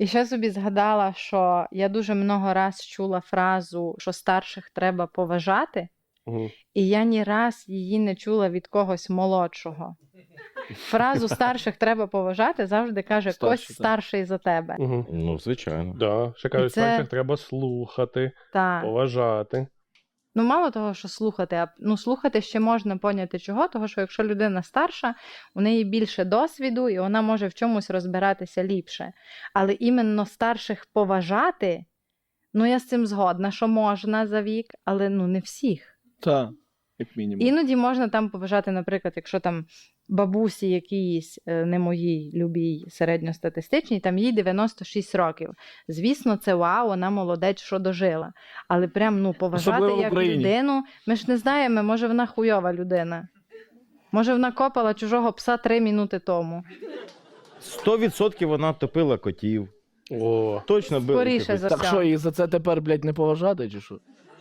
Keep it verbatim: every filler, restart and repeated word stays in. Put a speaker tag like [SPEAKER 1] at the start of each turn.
[SPEAKER 1] І ще собі згадала, що я дуже много раз чула фразу, що старших треба поважати,
[SPEAKER 2] Угу.
[SPEAKER 1] і я ні раз її не чула від когось молодшого. Фразу старших треба поважати завжди каже
[SPEAKER 3] Старший,
[SPEAKER 1] Кость
[SPEAKER 3] так.
[SPEAKER 1] старший за тебе.
[SPEAKER 2] Угу.
[SPEAKER 4] Ну, звичайно.
[SPEAKER 2] Да. Ще кажуть,
[SPEAKER 1] це-
[SPEAKER 2] старших треба слухати,
[SPEAKER 1] Так.
[SPEAKER 2] поважати.
[SPEAKER 1] Ну, мало того, що слухати, а ну, слухати ще можна поняти чого, того, що якщо людина старша, у неї більше досвіду, і вона може в чомусь розбиратися ліпше. Але іменно старших поважати, ну, я з цим згодна, що можна за вік, але ну, не всіх.
[SPEAKER 3] Так, як мінімум.
[SPEAKER 1] Іноді можна там поважати, наприклад, якщо там бабусі якійсь, е, не моїй любій середньостатистичній, там їй дев'яносто шість років. Звісно, це вау, вона молодець, що дожила. Але прям, ну, поважати
[SPEAKER 3] Особливо в
[SPEAKER 1] як
[SPEAKER 3] Україні.
[SPEAKER 1] людину, ми ж не знаємо, може вона хуйова людина. Може вона копала чужого пса три минути тому.
[SPEAKER 4] Сто відсотків вона топила котів.
[SPEAKER 2] О,
[SPEAKER 4] Точно била
[SPEAKER 1] Скоріше
[SPEAKER 4] котів.
[SPEAKER 1] за
[SPEAKER 3] Так
[SPEAKER 1] все.
[SPEAKER 3] що, і за це тепер, блядь, не поважати, чи що?